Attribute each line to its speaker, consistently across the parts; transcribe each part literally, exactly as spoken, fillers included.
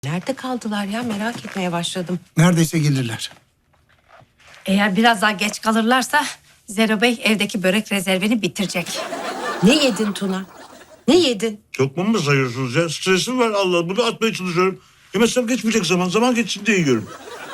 Speaker 1: Nerede kaldılar ya? Merak etmeye başladım.
Speaker 2: Neredeyse gelirler.
Speaker 3: Eğer biraz daha geç kalırlarsa Zero Bey evdeki börek rezervini bitirecek.
Speaker 1: Ne yedin Tuna? Ne yedin?
Speaker 4: Lokma mı sayıyorsunuz ya? Stresim var Allah. Bunu atmaya çalışıyorum. Yemezsem geçmeyecek zaman. Zaman geçsin diye yiyorum.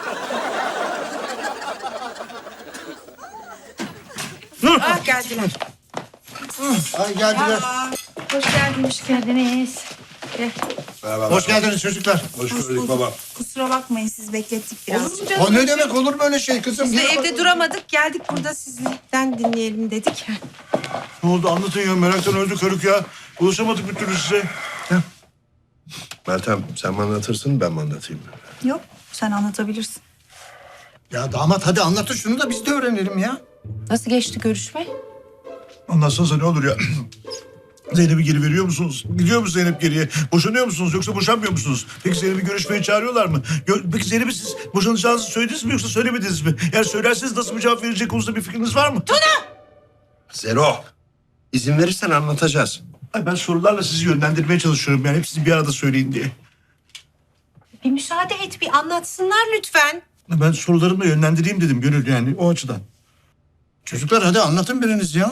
Speaker 1: Ah geldiler.
Speaker 2: Ay geldiler.
Speaker 3: Hoş geldiniz. Hoş geldiniz.
Speaker 2: Hoş geldiniz çocuklar.
Speaker 4: Hoş gördük baba.
Speaker 5: Kusura bakmayın siz beklettik biraz.
Speaker 1: Olur mu canım?
Speaker 2: O ne demek, olur mu öyle şey kızım?
Speaker 1: Biz de
Speaker 2: Yürü
Speaker 1: evde
Speaker 2: bakalım.
Speaker 1: duramadık. Geldik burada sizden dinleyelim dedik.
Speaker 4: Ne oldu anlatın ya. Meraktan öldü körük ya. Ulaşamadık bir türlü size.
Speaker 6: Meltem sen mi anlatırsın ben mi anlatayım?
Speaker 5: Yok sen anlatabilirsin.
Speaker 2: Ya damat hadi anlatın şunu da biz de öğrenelim ya.
Speaker 1: Nasıl geçti görüşme?
Speaker 4: Anlatsanıza ne olur ya. Zeynep'i geri veriyor musunuz? Gidiyor mu Zeynep geriye? Boşanıyor musunuz yoksa boşanmıyor musunuz? Peki Zeynep'i görüşmeye çağırıyorlar mı? Gö- Peki Zeynep'i siz boşanacağınızı söylediniz mi yoksa söylemediniz mi? Eğer söylerseniz nasıl bir cevap verecek konusunda bir fikriniz var mı?
Speaker 6: Zero. İzin verirsen anlatacağız.
Speaker 4: Ay ben sorularla sizi yönlendirmeye çalışıyorum yani. Hepsini bir arada söyleyin diye.
Speaker 1: Bir müsaade et, bir anlatsınlar lütfen.
Speaker 4: Ben sorularımla yönlendireyim dedim Gönül yani o açıdan.
Speaker 2: Çocuklar hadi anlatın biriniz ya.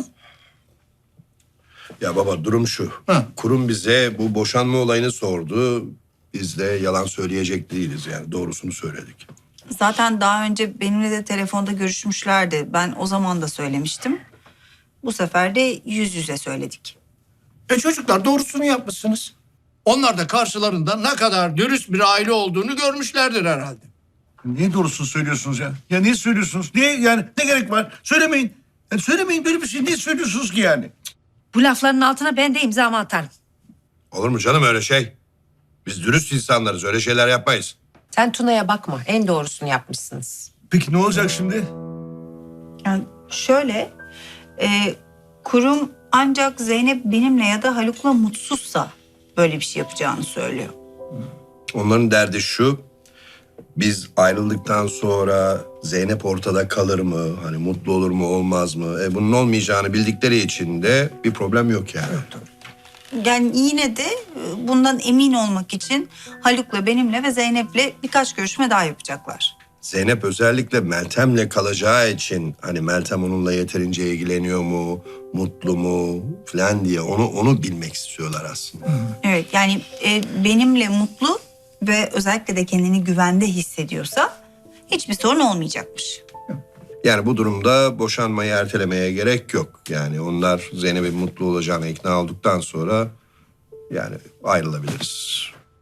Speaker 6: Ya baba durum şu.
Speaker 2: Ha.
Speaker 6: Kurum bize bu boşanma olayını sordu. Biz de yalan söyleyecek değiliz yani doğrusunu söyledik.
Speaker 5: Zaten daha önce benimle de telefonda görüşmüşlerdi. Ben o zaman da söylemiştim. Bu sefer de yüz yüze söyledik.
Speaker 2: E çocuklar doğrusunu yapmışsınız. Onlar da karşılarında ne kadar dürüst bir aile olduğunu görmüşlerdir herhalde.
Speaker 4: Niye doğrusunu söylüyorsunuz ya? Ya niye söylüyorsunuz? Niye yani ne gerek var? Söylemeyin. Yani söylemeyin böyle bir şey niye söylüyorsunuz ki yani?
Speaker 3: Bu lafların altına ben de imzamı atarım.
Speaker 6: Olur mu canım öyle şey? Biz dürüst insanlarız öyle şeyler yapmayız.
Speaker 1: Sen Tuna'ya bakma. En doğrusunu yapmışsınız.
Speaker 4: Peki ne olacak şimdi?
Speaker 5: Yani şöyle, e, kurum ancak Zeynep benimle ya da Haluk'la mutsuzsa böyle bir şey yapacağını söylüyor.
Speaker 6: Onların derdi şu. Biz ayrıldıktan sonra Zeynep ortada kalır mı? Hani mutlu olur mu olmaz mı? E bunun olmayacağını bildikleri için de bir problem yok yani.
Speaker 5: Yani yine de e, bundan emin olmak için Haluk'la benimle ve Zeynep'le birkaç görüşme daha yapacaklar.
Speaker 6: Zeynep özellikle Meltem'le kalacağı için hani Meltem onunla yeterince ilgileniyor mu, mutlu mu falan diye onu onu bilmek istiyorlar aslında.
Speaker 5: Evet yani e, benimle mutlu ve özellikle de kendini güvende hissediyorsa hiçbir sorun olmayacakmış.
Speaker 6: Yani bu durumda boşanmayı ertelemeye gerek yok. Yani onlar Zeynep'in mutlu olacağına ikna olduktan sonra yani ayrılabiliriz.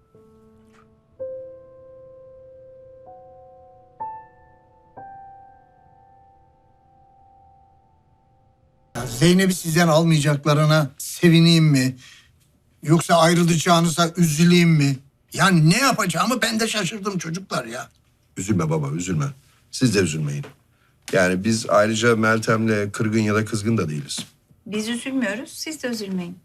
Speaker 2: Ya Zeynep'i sizden almayacaklarına sevineyim mi? Yoksa ayrılacağınıza üzüleyim mi? Yani ne yapacağımı ben de şaşırdım çocuklar ya.
Speaker 6: Üzülme baba üzülme. Siz de üzülmeyin. Yani biz ayrıca Meltem'le kırgın ya da kızgın da değiliz.
Speaker 5: Biz üzülmüyoruz, siz de üzülmeyin.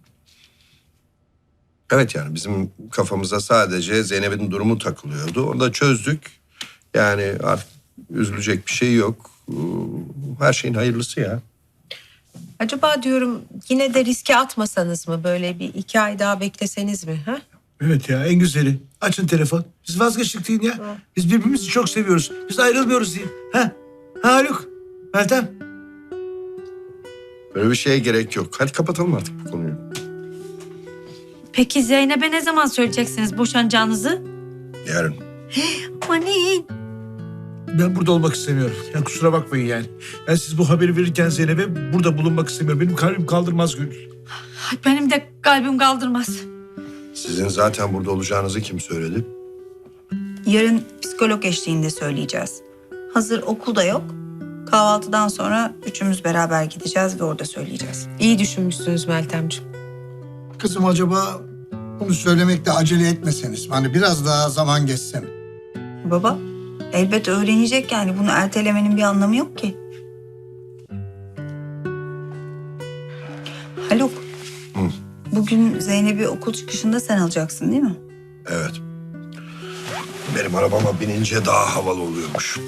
Speaker 6: Evet yani bizim kafamıza sadece Zeynep'in durumu takılıyordu. Onu da çözdük. Yani artık üzülecek bir şey yok. Her şeyin hayırlısı ya.
Speaker 1: Acaba diyorum yine de riske atmasanız mı? Böyle bir iki ay daha bekleseniz mi? Ha?
Speaker 4: Evet ya en güzeli. Açın telefon. Biz vazgeçtik deyin ya. Biz birbirimizi çok seviyoruz. Biz ayrılmıyoruz deyin. Ha? Ha Haluk? Meltem?
Speaker 6: Böyle bir şeye gerek yok. Hadi kapatalım artık bu konuyu.
Speaker 3: Peki Zeynep'e ne zaman söyleyeceksiniz boşanacağınızı?
Speaker 6: Yarın.
Speaker 3: Aman
Speaker 4: Ben burada olmak istemiyorum. Yani kusura bakmayın yani. Ben siz bu haberi verirken Zeynep'e burada bulunmak istemiyorum. Benim kalbim kaldırmaz Gönül.
Speaker 3: Ay, benim de kalbim kaldırmaz.
Speaker 6: Sizin zaten burada olacağınızı kim söyledi?
Speaker 5: Yarın psikolog eşliğinde söyleyeceğiz. Hazır okulda yok. Kahvaltıdan sonra üçümüz beraber gideceğiz ve orada söyleyeceğiz.
Speaker 1: İyi düşünmüşsünüz Meltemciğim.
Speaker 2: Kızım acaba bunu söylemekte acele etmeseniz mi? Hani biraz daha zaman geçse mi?
Speaker 5: Baba, elbet öğrenecek yani. Bunu ertelemenin bir anlamı yok ki. Haluk,
Speaker 6: Hı.
Speaker 5: bugün Zeynep'i okul çıkışında sen alacaksın değil mi?
Speaker 6: Evet. Benim arabama binince daha havalı oluyormuş.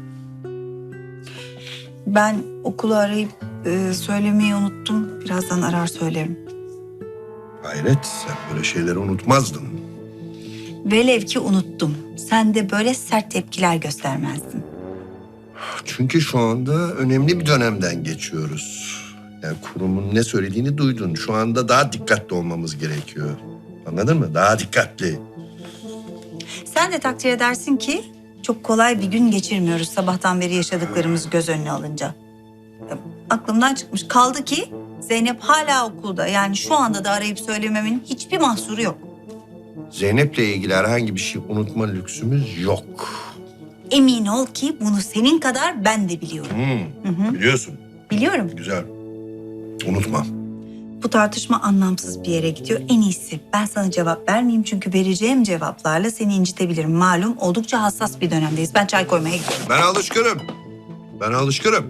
Speaker 5: Ben okulu arayıp e, söylemeyi unuttum. Birazdan arar söylerim.
Speaker 6: Hayret sen böyle şeyleri unutmazdın.
Speaker 5: Velev ki unuttum. Sen de böyle sert tepkiler göstermezdin.
Speaker 6: Çünkü şu anda önemli bir dönemden geçiyoruz. Yani kurumun ne söylediğini duydun. Şu anda daha dikkatli olmamız gerekiyor. Anladın mı? Daha dikkatli.
Speaker 5: Sen de takdir edersin ki çok kolay bir gün geçirmiyoruz sabahtan beri yaşadıklarımız göz önüne alınca. Ya, aklımdan çıkmış. Kaldı ki Zeynep hala okulda. Yani şu anda da arayıp söylememin hiçbir mahsuru yok.
Speaker 6: Zeynep'le ilgili herhangi bir şey unutma lüksümüz yok.
Speaker 5: Emin ol ki bunu senin kadar ben de biliyorum.
Speaker 6: Hmm,
Speaker 5: Hı hı.
Speaker 6: Biliyorsun.
Speaker 5: Biliyorum.
Speaker 6: Güzel. Unutmam.
Speaker 5: Bu tartışma anlamsız bir yere gidiyor. En iyisi ben sana cevap vermeyeyim çünkü vereceğim cevaplarla seni incitebilirim. Malum oldukça hassas bir dönemdeyiz. Ben çay koymaya gidiyorum.
Speaker 6: Ben alışkınım. Ben alışkınım.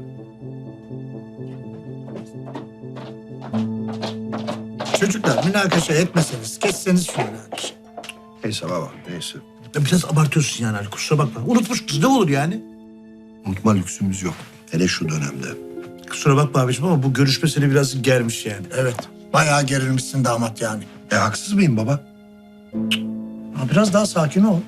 Speaker 2: Çocuklar münakaşa etmeseniz, kesseniz şu münakaşa.
Speaker 6: Neyse baba, neyse.
Speaker 4: Ya biraz abartıyorsun yani Ali, kusura bakma. Unutmuşuz, ne olur yani?
Speaker 6: Unutma lüksümüz yok. Hele şu dönemde.
Speaker 4: Kusura bakma abiciğim ama bu görüşme seni biraz germiş yani.
Speaker 2: Evet, bayağı gerilmişsin damat yani.
Speaker 6: E haksız mıyım baba?
Speaker 2: Ha, biraz daha sakin ol.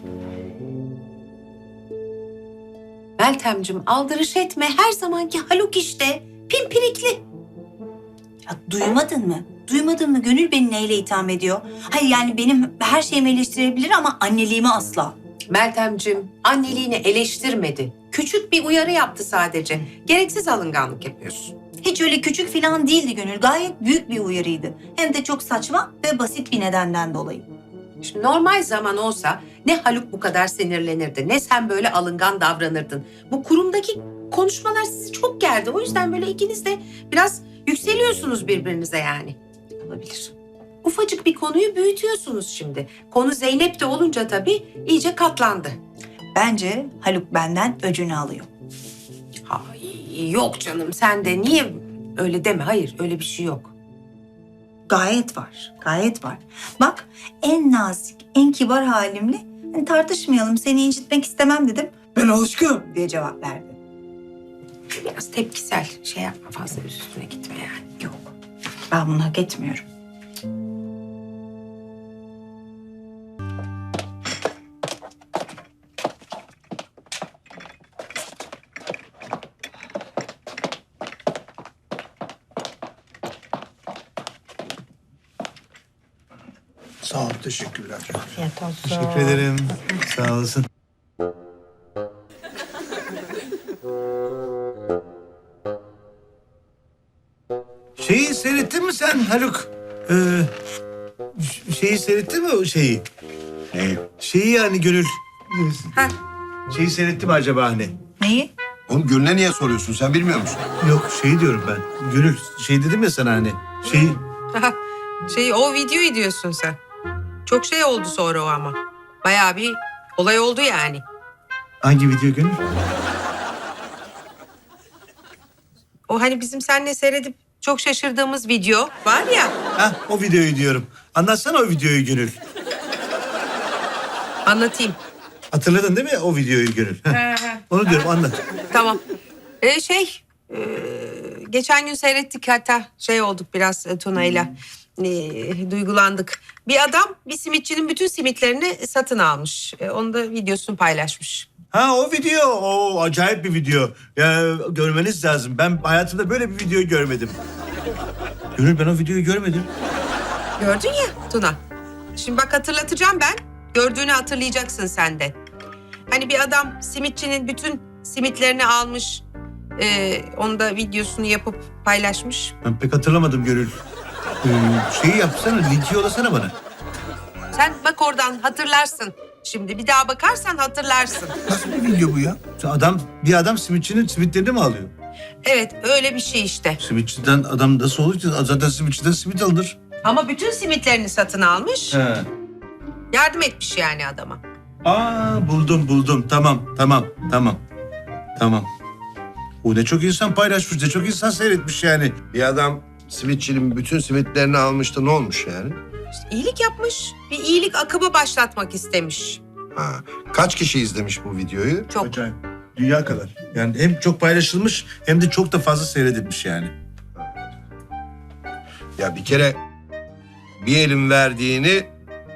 Speaker 1: Meltemcim aldırış etme. Her zamanki Haluk işte. Pimpirikli.
Speaker 5: Ya duymadın mı? Duymadın mı? Gönül beni neyle itham ediyor? Hayır yani benim her şeyimi eleştirebilir ama anneliğimi asla.
Speaker 1: Meltemcim anneliğini eleştirmedi. Küçük bir uyarı yaptı sadece. Gereksiz alınganlık yapıyorsun.
Speaker 5: Hiç öyle küçük falan değildi Gönül. Gayet büyük bir uyarıydı. Hem de çok saçma ve basit bir nedenden dolayı.
Speaker 1: Şimdi normal zaman olsa ne Haluk bu kadar sinirlenirdi, ne sen böyle alıngan davranırdın. Bu kurumdaki konuşmalar sizi çok gerdi. O yüzden böyle ikiniz de biraz yükseliyorsunuz birbirinize yani. Olabilir. Ufacık bir konuyu büyütüyorsunuz şimdi. Konu Zeynep'te olunca tabii iyice katlandı.
Speaker 5: Bence Haluk benden öcünü alıyor.
Speaker 1: Ay, yok canım sen de niye öyle deme. Hayır öyle bir şey yok.
Speaker 5: Gayet var, gayet var. Bak en nazik, en kibar halimle hani tartışmayalım, seni incitmek istemem dedim.
Speaker 2: Ben alışkınım.
Speaker 5: Diye cevap verdi.
Speaker 1: Biraz tepkisel şey yapma, fazla üstüne gitme yani.
Speaker 5: Yok, ben bunu hak etmiyorum.
Speaker 2: Sağ ol, teşekkürler.
Speaker 4: Teşekkür ederim. Sağ olasın. Şeyi seyrettin mi sen Haluk? Ee, ş- şeyi seyrettin mi o şeyi?
Speaker 6: Neyi?
Speaker 4: Şeyi yani Gönül.
Speaker 1: Ha.
Speaker 4: Şeyi seyretti mi acaba hani?
Speaker 5: Neyi?
Speaker 6: Oğlum Gül'le niye soruyorsun? Sen bilmiyor musun?
Speaker 4: Yok şey diyorum ben. Gönül şey dedim ya sana hani. Şeyi
Speaker 1: Şey o videoyu diyorsun sen. Çok şey oldu sonra o ama. Bayağı bir olay oldu yani.
Speaker 4: hangi video Gönül?
Speaker 1: O hani bizim seninle seyredip çok şaşırdığımız video var ya.
Speaker 4: Ha o videoyu diyorum. Anlatsana o videoyu Gönül.
Speaker 1: Anlatayım.
Speaker 4: Hatırladın değil mi o videoyu Gönül? Heh. Onu diyorum anlat.
Speaker 1: Tamam. Ee, şey e, geçen gün seyrettik hatta şey olduk biraz e, Tuna'yla. E, duygulandık. Bir adam bir simitçinin bütün simitlerini satın almış. E, onu da videosunu paylaşmış.
Speaker 4: Ha o video, o acayip bir video. Ya görmeniz lazım. Ben hayatımda böyle bir video görmedim. Gönül ben o videoyu görmedim.
Speaker 1: Gördün ya Tuna. Şimdi bak hatırlatacağım ben. Gördüğünü hatırlayacaksın sen de. Hani bir adam simitçinin bütün simitlerini almış. E, onu da videosunu yapıp paylaşmış.
Speaker 4: Ben pek hatırlamadım Gönül. Ee, şeyi yapsana, linki yollasana bana.
Speaker 1: Sen bak oradan hatırlarsın. Şimdi bir daha bakarsan hatırlarsın.
Speaker 2: Nasıl bir video bu ya?
Speaker 4: Adam, bir adam simitçinin simitlerini mi alıyor?
Speaker 1: Evet öyle bir şey işte.
Speaker 4: Simitçiden adam nasıl olur ki? Zaten simitçiden simit alınır.
Speaker 1: Ama bütün simitlerini satın almış.
Speaker 4: He.
Speaker 1: Yardım etmiş yani adama.
Speaker 4: Aa buldum buldum. Tamam tamam tamam. Tamam. O ne çok insan paylaşmış, ne çok insan seyretmiş yani.
Speaker 6: Bir adam simitçinin bütün simitlerini almıştı. Ne olmuş yani?
Speaker 1: İşte iyilik yapmış. Bir iyilik akımı başlatmak istemiş.
Speaker 6: Ha. Kaç kişi izlemiş bu videoyu?
Speaker 1: Çok.
Speaker 4: Acayip. Dünya kadar. Yani hem çok paylaşılmış hem de çok da fazla seyredilmiş yani.
Speaker 6: Ya bir kere bir elin verdiğini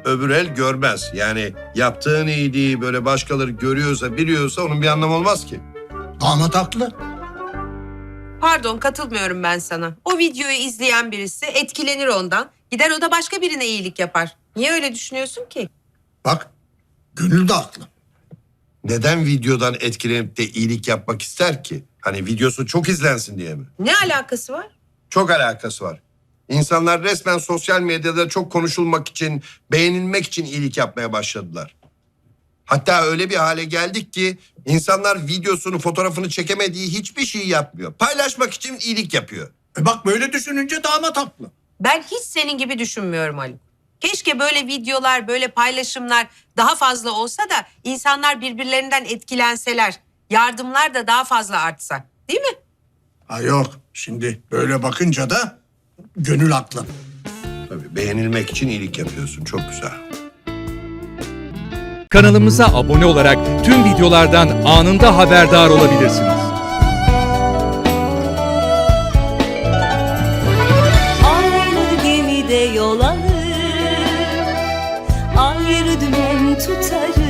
Speaker 6: öbür el görmez. Yani yaptığın iyiliği böyle başkaları görüyorsa, biliyorsa onun bir anlamı olmaz ki.
Speaker 2: Damat haklı.
Speaker 1: Pardon, katılmıyorum ben sana. O videoyu izleyen birisi etkilenir ondan. Gider o da başka birine iyilik yapar. Niye öyle düşünüyorsun ki?
Speaker 2: Bak, Gönül de haklı.
Speaker 6: Neden videodan etkilenip de iyilik yapmak ister ki? Hani videosu çok izlensin diye mi?
Speaker 1: Ne alakası var?
Speaker 6: Çok alakası var. İnsanlar resmen sosyal medyada çok konuşulmak için, beğenilmek için iyilik yapmaya başladılar. Hatta öyle bir hale geldik ki insanlar videosunu, fotoğrafını çekemediği hiçbir şeyi yapmıyor. Paylaşmak için iyilik yapıyor.
Speaker 2: E bak, böyle düşününce damat haklı.
Speaker 1: Ben hiç senin gibi düşünmüyorum Haluk. Keşke böyle videolar, böyle paylaşımlar daha fazla olsa da insanlar birbirlerinden etkilenseler. Yardımlar da daha fazla artsa. Değil mi?
Speaker 2: Ha yok, şimdi böyle bakınca da Gönül haklı.
Speaker 6: Tabii beğenilmek için iyilik yapıyorsun. Çok güzel.
Speaker 7: Kanalımıza abone olarak tüm videolardan anında haberdar olabilirsiniz.
Speaker 8: Aynı gemide yol alır, ayrı dümen tutarız.